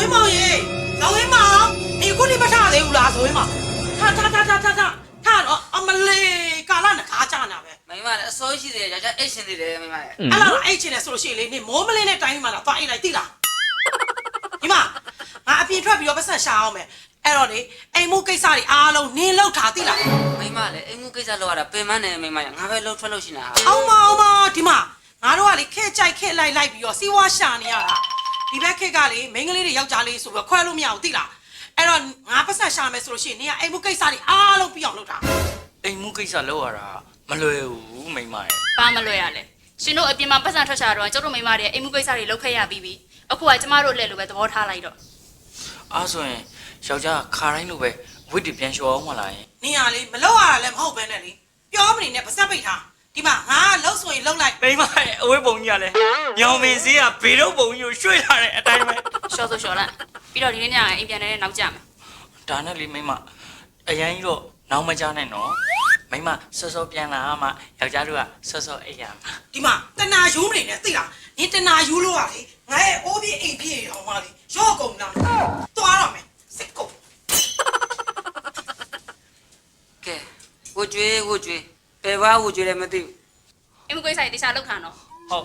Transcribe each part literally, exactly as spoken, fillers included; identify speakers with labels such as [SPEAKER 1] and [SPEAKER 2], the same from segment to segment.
[SPEAKER 1] င်းမောင်ရေဇော်ဝင်းမောင်ဒီခုထိမထသေးဘူးလားဇော်ဝင်းမောင်ထထထထထထထတော့အမလေးကာလနခါကြနာပဲ
[SPEAKER 2] မိမလည်းအစိုးရှိတယ်ကြာကြာအိတ်ရှင်သေးတယ်မိမလည်း
[SPEAKER 1] အဲ့လားအဲ့ချင်တယ်ဆိုလို့ရှိရင်လေနေမိုးမလင်းတဲ့တိုင်းမှာတော့သွားအိတ်လိုက်သိလားဒီမှာငါအပြင်ထွက်ပြီးတော့ပတ်ဆက်ရှာအောင်မယ်အဲ့တော့လေအိမ်မှုကိစ္စတွေအားလုံးနင်းလောက်ထားသိလား
[SPEAKER 2] မိမလည်းအိမ်မှုကိစ္စလောက်ရတာပင်မနဲ့မိမရငါပဲလှုပ်ထွက်လို့ရှိနေတာ
[SPEAKER 1] အောင်မအောင်မဒီမှာငါတို့ကလေခဲကြိုက်ခဲလိုက်လိုက်ပြီးတော့စီးဝါရှာနေရတာဒီဘက်ခက်ကလေမိန်းကလေးတွေယောက်ျားလေးဆိုပြီးခွဲလို့မရဘူးသိလားအဲ့တော့ငါပတ်ဆက်ရှာမယ်ဆိုလို့ရှိရင်နေကအိမ်မှုကိစ္စတွေအားလုံးပြီးအောင်လုပ်တာ
[SPEAKER 3] အိမ်မှုကိစ္စလောက်ရတာမလွယ်ဘူးမိမရဲ့
[SPEAKER 4] ဘာမလွယ်ရလဲရှင်တို့အပြင်မှာပတ်စံထွက်ချတော့ကျတို့မိမတွေအိမ်မှုကိစ္စတွေလုပ်ခဲ့ရပြီးပြီအခုကကျမတို့လက်လိုပဲသဘောထားလိုက်တော့
[SPEAKER 3] အားဆိုရင်ယောက်ျားခါတိုင်းလိုပဲဝစ်တီပြန်လျှော်အောင်မလားယင်
[SPEAKER 1] နေရလေမလောက်ရတာလည်းမဟုတ်ပဲနဲ့လေပြောမနေနဲ့ပါစက်ပိတ်ထားဒီမှာငါလှုပ်ဆိုရင်လှုပ်လိုက်
[SPEAKER 3] မိမရဲ့အဝေးပုံကြီးကလည်းညောင်မင်းစည်းကဘေတော့ပုံကြီးကိုရွှေ့လာတဲ့အတိုင်းပဲ
[SPEAKER 4] ရှော့ဆိုရှော့လိုက်ပြီးတော့ဒီနေ့ညအိမ်ပြန်နေတဲ့နောက်ကြမယ်
[SPEAKER 3] ဒါနဲ့လေမိမအရန်ကြီးတော့နောက်မကြနဲ့နော်မိမစောစောပြန်လာမှယောက်ျားတို့ကစောစောအိပ်ရမှာ
[SPEAKER 1] ဒီမှာတနာယူမနေနဲ့သိလားနင်တနာယူလို့ရလေငါရဲ့အိုးပြေးအိမ်ပြေးရောမလေးရော့ကုန်လားသွားတော့မယ်စိတ်ကုန်
[SPEAKER 2] ကဲဝွကျွေးဝွကျွေးဘယ်ဘာဝွကျွေးလဲမသိဘူး
[SPEAKER 4] အိမ်မှုကိစ္စတွေတခြားလောက်ခံတော့
[SPEAKER 3] ဟုတ်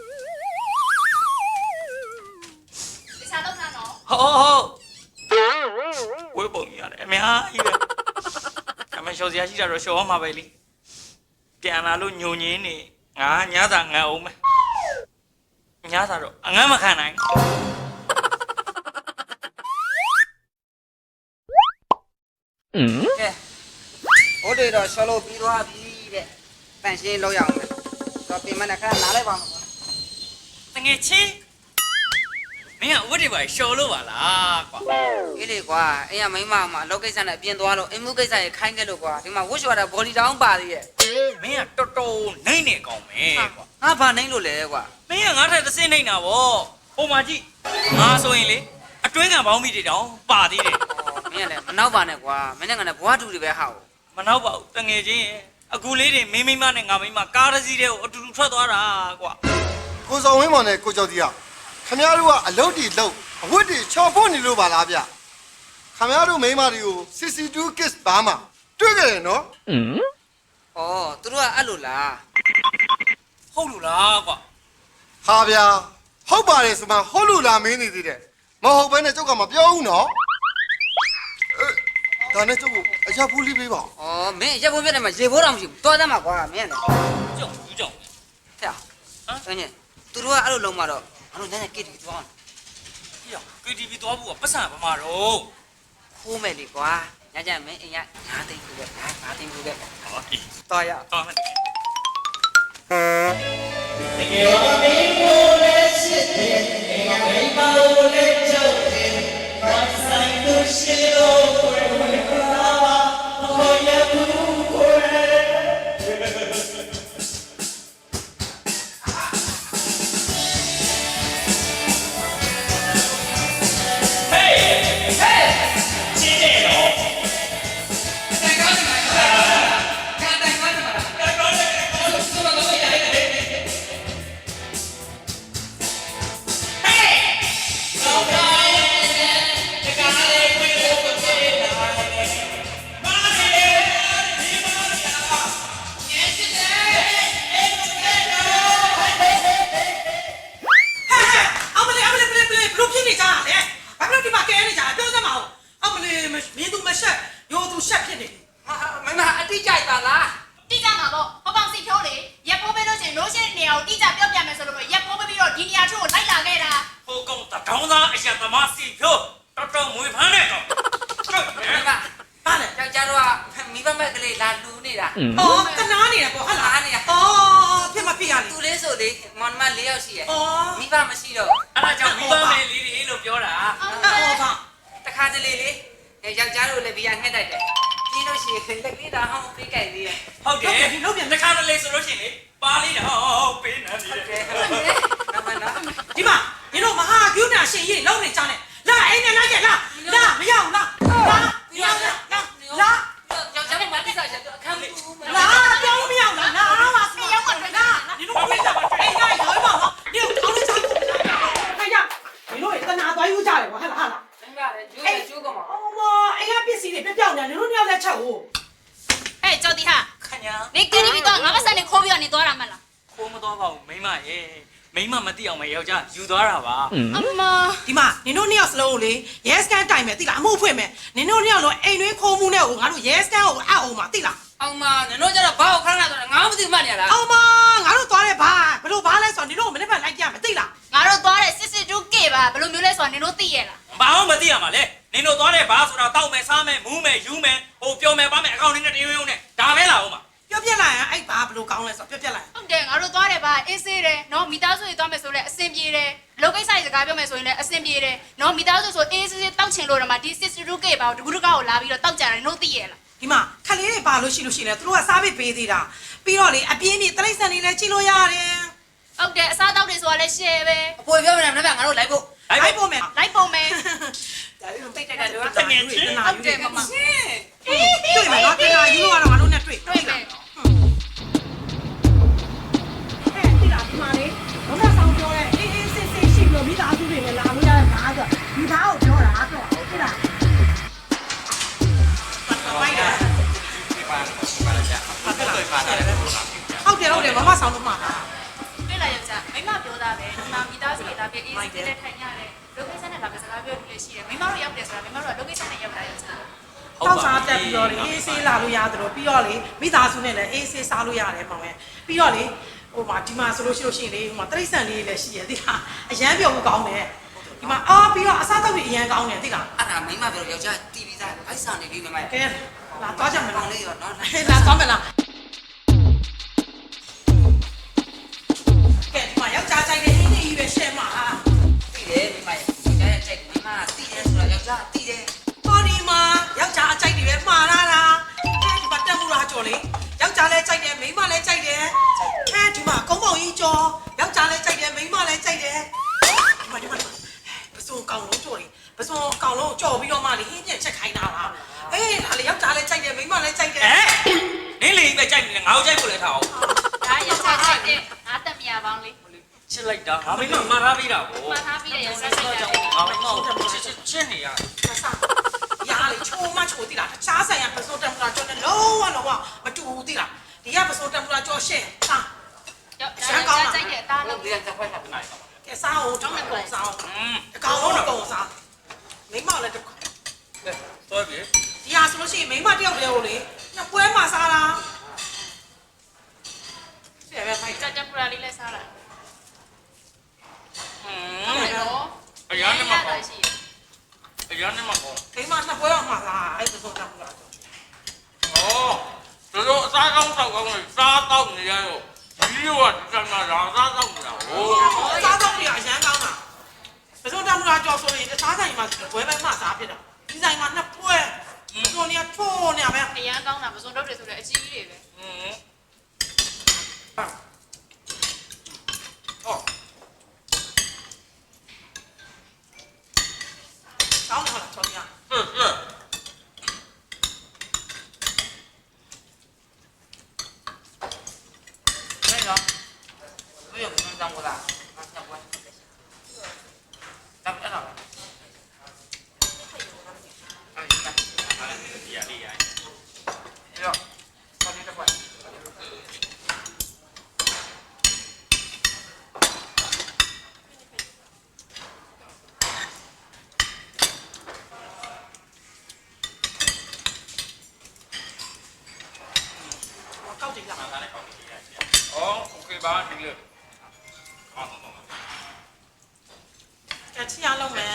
[SPEAKER 4] တခြားလောက်ခံတော့
[SPEAKER 3] ဟုတ်ဟုတ်ဝေးပုံကြီးရတယ်အများကြီးပဲအမေရှော်စရာရှိတာတော့ရှော်အောင်မှာပဲလေပြန်လာလို့ညုံညင်းနေငါညသာငတ်အောင်မယ်ညသာတော့အငတ်မခံနိုင်
[SPEAKER 2] ကဲဟိုတွေတော့ရှော်လို့ပြီးသွားပြီတဲ့ပန့်ရှင်းလောက်ရအောင်မယ်တော့ပင်မနဲ့ခဏနားလိုက်ပါမယ်
[SPEAKER 3] တငယ်ချင်းမင်းကဝတ်တွေပါရှော်လို့ပါလားကွာ
[SPEAKER 2] အေးလေကွာအိမ်ကမိမမှာအလုပ်ကိစ္စနဲ့အပြင်သွားလို့အိမ်မှုကိစ္စရေခိုင်းခဲ့လို့ကွာဒီမှာဝှရှော်တာဘော်လီတောင်းပါသေးရဲ့
[SPEAKER 3] မင်းကတော်တော်နိုင်နေကောင်ပဲကွာ
[SPEAKER 2] ငါဘာနိုင်လို့လဲကွာ
[SPEAKER 3] မင်းကငါထက်တစ်စင်းနိုင်တာဗောပုံမှန်ကြည့်ငါဆိုရင်လေအတွင်းကပေါင်းမိတွေတောင်ပါသေးတယ်
[SPEAKER 2] မင်းကလည်းမနောက်ပါနဲ့ကွာမင်းနဲ့ကလည်းဘွားတူတွေပဲဟာ
[SPEAKER 3] မနောက်ပါဘူးတငယ်ချင်းရဲ့အခုလေးတွေမင်းမိမနဲ့ငါမိမကားတစ်စီးတည်းကိုအတူတူထွက်သွားတာကွာ
[SPEAKER 5] ကိုစောင်းဝင်းမောင်နဲ့ကိုကျော်ကြီးကခင်ဗျားတို့ကအလုတ်တီလုတ်အဝတ်တီချော်ဖို့နေလို့ပါလားဗျခင်ဗျားတို့မိန်းမတွေကို စီစီတူ kiss ဘာမှတွေ့ကြတယ်နော်
[SPEAKER 2] ဩသူတို့ကအဲ့လိုလား
[SPEAKER 3] ဟုတ်လို့လားကွာ
[SPEAKER 5] ဟာဗျာဟုတ်ပါတယ်ဆိုမှဟုတ်လို့လားမင်းနေသေးတယ်မဟုတ်ဘဲနဲ့ကျုပ်ကမပြောဘူးနော်အဲဒါနဲ့ကျုပ်ကိုအရာဖူးလေးပေးပါ
[SPEAKER 2] ဩမင်းရက်ဖို့ပြတ်တယ်မှာရေဖိုးတောင်မရှိဘူးတော်သားမှာကွာမင်းကလည်း
[SPEAKER 3] ကြောက်ယူကြောက်
[SPEAKER 2] ဟဲ့ဟမ်ညသူတို့ကအဲ့လိုလုံးမှာတော့ငါတို့ညညကစ်တီသွား
[SPEAKER 3] ပြော ကေ တီ ဗီ သွားဖို့ကပတ်စံပမာတော့
[SPEAKER 2] ခိုးမယ်လေကွာညညမင်းအိမ်ကငါးသိန်းဘူးပဲငါးငါးသိန်းဘူးပဲ
[SPEAKER 3] ဟောဒီ
[SPEAKER 2] တော်ရ
[SPEAKER 3] သွားမယ်
[SPEAKER 1] အမလေးအမလေးပလေးပလေးဘလို့ဖြစ်နေကြတာလဲဘာလို့ဒီမှာကဲနေကြတာပြောစမ်းမအောင်အမလေးမင်းသူမရှက်ရိုးသူရှက်ဖြစ်နေပြီ
[SPEAKER 2] မင်းကအတိကြိုက်ပါလား
[SPEAKER 4] တိကျမှာပေါ့ဟောကောင်စီဖြိုးလေရက်ပိုးပေးလို့ရှိရင်လို့ရှိတဲ့နေရာကိုတိကျပြောပြမယ်ဆိုလို့ရက်ပိုးပေးပြီးတော့ဒီနေရာချို့ကိုလိုက်လာခဲ့တာ
[SPEAKER 3] ဟိုကောင်တထောင်းသားအရာသမားစီဖြိုးတော်တော်မွေဖမ်းတဲ့ကောင်
[SPEAKER 2] မင်းက
[SPEAKER 1] ဘာလဲ
[SPEAKER 2] ယောက်ျားတို့ကမိဘမဲ့ကလေးလာလူနေတာ
[SPEAKER 1] အော်ကနားနေတာပေါ့ဟာလား
[SPEAKER 2] အားနေရ
[SPEAKER 1] အော်ဖြစ်မဖြစ်ရလေ
[SPEAKER 2] သူလေးဆိုလေမောင်မလေးယောက်ရှိရဲ့
[SPEAKER 1] အော်
[SPEAKER 2] မိဘမရှိတော့
[SPEAKER 3] အဲ့ဒါကြောင့်မိဘမယ်လေးတွေလို့ပြောတာ
[SPEAKER 1] အော်ပါ
[SPEAKER 2] တခါတလေလေယောက်ျားတို့လည်းဘီယာငှက်တိုက်တယ်ပြီးလို့ရှိရင်လက်လေးတာဟောင်းပေးကြိုက်သေးတယ်
[SPEAKER 3] ဟုတ်တယ်တခါတလေဆိုလို့ရှိရင်လေပါလေးတော့ပေးနေတယ်
[SPEAKER 2] ကဲဟုတ်တယ်နမနာ
[SPEAKER 1] ဒီမှာမင်းတို့မဟာကျူးနာရှင်ကြီးလုံးနေကြတယ်လာအိမ်နဲ့လိုက်ခဲ့လာလာမရအောင်လားလာမရအောင်လားလာ
[SPEAKER 2] ယောက်ျားမတိစားချက်အခန်းဘူး
[SPEAKER 1] လာပြောင်းမရအောင်လားလာပါစီရောက်ပါလားဒီလိုပြေးကြပါအိမ်ကရောပါတော့ဒီတော့ထောင်းနေကြခိုင်ရဒီလိုတနာသွားယူကြတယ်ကွာဟာလားဟာလား
[SPEAKER 2] မင်းကလည်းကျိုးတယ်ကျိုးကောင်ပါ
[SPEAKER 1] အော်မအိမ်ကပစ္စည်းတွေပြပြောင်းနေနင်တို့နှစ်ယောက်လည်းချက်ဟုတ်
[SPEAKER 4] ဟဲ့ကြော်တီဟာ
[SPEAKER 3] ခင်ဗျာ
[SPEAKER 4] နေကင်းပြီးတော့ငါမဆက်နေခိုးပြီးတော့နေသွားတာမလား
[SPEAKER 3] ခိုးမသွားပါဘူးမိမရဲ့မိမမသိအောင်မယောက်ျားယူသွားတာပါ
[SPEAKER 4] အမ
[SPEAKER 1] ဒီမှာနင်တို့နှစ်ယောက်စလုံးကိုလေရဲစကန်တိုင်မယ်သိလားအမှုဖွင့်မယ်နင်တို့နှစ်ယောက်လုံးအိမ်တွင်းခိုးမှုနဲ့ကိုငါတို့ရဲစကန်ကိုအအောင်မှာသိလား
[SPEAKER 2] အောင်မနင်တို့ကျတော့ဘာကိုခဏခဏဆိုတော့ငါမသိမှတ်နေရလား
[SPEAKER 1] အောင်မငါတို့သွားတယ်ဘာဘလို့ဘာလဲဆိုတော့နင်တို့ကိုမနေ့ကလိုက်ကြမယ်သိလား
[SPEAKER 4] ငါတို့သွားတဲ့စစ်စစ်တူးကေပါဘယ်လိုမျိုးလဲဆိုတော့နင်တို့သိရလား
[SPEAKER 3] ဘာမှမသိရမှာလေနင်တို့သွားတဲ့ဘာဆိုတာတောက်မယ်စားမယ်မူးမယ်ယူမယ်ဟိုပြောမယ်ပါမယ်အကောင့်နဲ့တရုံရုံနဲ့ဒါပဲလားဟုတ်မှာ
[SPEAKER 1] ပြောပြလိုက်ရင်အဲ့ဘာဘလို့ကောင်းလဲဆိုတော့ပြောပြလိုက်
[SPEAKER 4] ဟုတ်တယ်ငါတို့သွားတယ်ပါအေးဆေးတယ်နော်မိသားစုတွေသွားမယ်ဆိုလဲအဆင်ပြေတယ်လောကိစ္စတွေစကားပြောမယ်ဆိုရင်လည်းအဆင်ပြေတယ်နော်မိသားစုဆိုအေးဆေးဆေးတောက်ချင်လို့တော့မှဒီစစ်စစ်တူးကေပါကိုတကူတကောက်ကိုလာပြီးတော့တောက်ကြတယ်နင်တို့သိရလား
[SPEAKER 1] ဒီမှာခလေးတွေပါလို့ရှိလို့ရှိလဲသူတို့ကစားပေးပေးသေးတာပြီးတော့လေအပြင်းပြေတိရစ္ဆာန်တွေလည်းကြည့်လို့ရတယ်
[SPEAKER 4] ဟုတ်တယ်အစားတောက်တွေဆိုတာလည်း share ပဲ
[SPEAKER 2] အပေါ်ပြောမနေမနေ့ကငါတို့လိုက်ဖို့
[SPEAKER 1] လိုက်ပို့မယ်
[SPEAKER 4] လိုက်ပုံမယ်
[SPEAKER 1] ဒါပြီးတော့တိတ်တက်တက်တော့တမင်ချင်း
[SPEAKER 4] ဟုတ်တယ်မမ
[SPEAKER 1] တွေ့မယ်နော်တင်လာယူလို့ကတော့ငါတို့နဲ့တွေ့
[SPEAKER 4] တွေ့မယ်
[SPEAKER 1] အဲ့ဒီလားဒီမှာလေဘုရားဆောင်ပြောတဲ့အေးအေးစစ်စစ်ရှိလို့မိသားစုတွေလည်းလာလို့ရတဲ့ဘာဆိုဒီဘာကိုပြောတာတော့ဟုတ်လားမိုက်တာဟုတ်တယ်ဟုတ်တယ်မမဆောင်လို့မှာ
[SPEAKER 4] တွေ့လာရောက်ကြမိမပြောတာပဲဒီမှာမိသားစုတွေလာပြီးအေးဆေးတဲ့ထိုင်ရတယ်လောကိစ္စနဲ့လာပြီးစကားပြောလို့ရှိတယ်မိမတို့ရောက်တယ်ဆိုတာမိမတို့ကလောကိစ္စနဲ့ရောက်တာရောက်ကြ
[SPEAKER 1] တောက်စားတက်ပြီးတော့လေအေးဆေးလာလို့ရတယ်လို့ပြီးတော့လေမိသားစုနဲ့လည်းအေးဆေးစားလို့ရတယ်ပေါ့မယ်ပြီးတော့လေဟိုမှာဒီမှာဆိုလို့ရှိလို့ရှိရင်လေဟိုမှာတရိတ်ဆန်လေးလည်းရှိရသိလားအရန်ပြောဖို့ကောင်းတယ်ဒီမှာအာပြီးတော့အစားတောက်ပြီးအရန်ကောင်းတယ်သိလား
[SPEAKER 2] အဲ့ဒါမိမပြောယောက်ျားတီဗီသားအိုက်ဆန်နေလေးမမ
[SPEAKER 1] ကဲလာသွားကြမယ်
[SPEAKER 2] ပေါ
[SPEAKER 1] လား
[SPEAKER 2] င်လေးရောနော်
[SPEAKER 1] လာသွားမယ်လားကဲဒီမှာယောက်ျားကြိုက်တဲ့ဟင်းလေးကြီးပဲရှယ်မှာဟာ
[SPEAKER 2] တီးတယ်မိမယောက်ျားရဲ့ကြိုက်မိမတီးတယ်ဆိုတော့ယောက်ျားတီးတယ်
[SPEAKER 1] ပေါ်ဒီမှာယောက်ျားအကြိုက်တွေပဲမှားလာတာဒီမှာတက်မှုလားကြော်လေယောက်ျားလည်းကြိုက်တယ်မိန်းမလည်းကြိုက်တယ်အဲဒီမှာကုန်းပေါင်ကြီးကြော်ယောက်ျားလည်းကြိုက်တယ်မိန်းမလည်းကြိုက်တယ်ဒီမှာဒီမှာပစုံကောင်လုံးကြော်လေပစုံကောင်လုံးကြော်ပြီးတော့မှလေဟင်းပြန်ချက်ခိုင်းတာလားအေးဒါလေယောက်ျားလည်းကြိုက်တယ်မိန်းမလည်းကြိုက်တယ်
[SPEAKER 3] ဟဲ့နင်းလေပဲကြိုက်နေတယ်ငါ့ကိုကြိုက်ဖို့လည်းထားအောင်
[SPEAKER 4] ဒါရောက်ကြကြတဲ့ငါတက်မြာပေါင်းလေး
[SPEAKER 3] ချစ်လိုက်တာငါမိမမှားထားပေးတာဗော
[SPEAKER 4] မှားထားပြီးရဆက်စိတ်တာ
[SPEAKER 3] ငါမိမကိုချစ်ချစ်ချစ်နေရ
[SPEAKER 1] ရာလေချိုးမချိုးတိလားတခြားဆိုင်ရပစုံတမ်ပလာကြော်နဲ့လုံးဝလုံးဝမတူဘူးတိလားဒီကပစုံတမ်ပလာကြော်ရှင်းစား
[SPEAKER 4] ရောက်ကြကြတဲ့အသား
[SPEAKER 2] ဟု
[SPEAKER 4] လုံး
[SPEAKER 2] တ်တယ်တစ်ခွက်ထပ်နိုင်
[SPEAKER 1] ကဲစားအောင်တော့မကုန်စားအောင်
[SPEAKER 3] อืม
[SPEAKER 1] အကောင်လုံးတော့ကုန်စားမိမလည်းတစ်ခါ
[SPEAKER 3] သွားပြီ
[SPEAKER 1] ဒီဟာဆိုလို့ရှိရင်မိမတယောက်တည်းကိုလေညပွဲမှာစားတာဆရာပဲဖိုက်
[SPEAKER 4] ကြကြပူရာလေးလဲစားလာ
[SPEAKER 3] อื
[SPEAKER 4] ဟုတ်
[SPEAKER 3] ม
[SPEAKER 4] တယ်နော်
[SPEAKER 3] အရာနဲ့မှာပေါ့
[SPEAKER 4] ရှိ
[SPEAKER 3] အရာနဲ့မှာပေါ့
[SPEAKER 1] မိမနှစ်ပွဲအောင်မှာစားအဲ့ပစုံတမ်ပလာကြော်
[SPEAKER 3] ဩတို့အစားကောင်းတောက်ကောင်းကိုစားတော့နေရတော့ဒီလိုကဒီကမှာလာစားတော့နေတာဟို
[SPEAKER 1] စားတော့နေရအရန်ကောင်းတာပစုံတမ်ပလာကြော်ဆိုရင်တခြားဆိုင်မှာပွဲပဲမှာစားဖြစ်တာဒီဆိုင်မှာနှစ်ပွဲပစုံနေရချိုးနေရပဲ
[SPEAKER 4] အရန်ကောင်းတာပစုံတော့တွေဆိုလည်းအကြီးကြီးတွေပဲ
[SPEAKER 3] อืม
[SPEAKER 1] ကောင်းတယ်ဟုတ်လားကြော်ပြ
[SPEAKER 3] 是是。
[SPEAKER 2] 那个没有不能当过的那下关当不了哎行吧
[SPEAKER 3] 厉害厉害。
[SPEAKER 2] 哎呦放你这块
[SPEAKER 1] ကောက်ကြည့်လား
[SPEAKER 3] 哦，OK 吧，这个。好好好。
[SPEAKER 1] ကချီအောင်လုပ်မယ်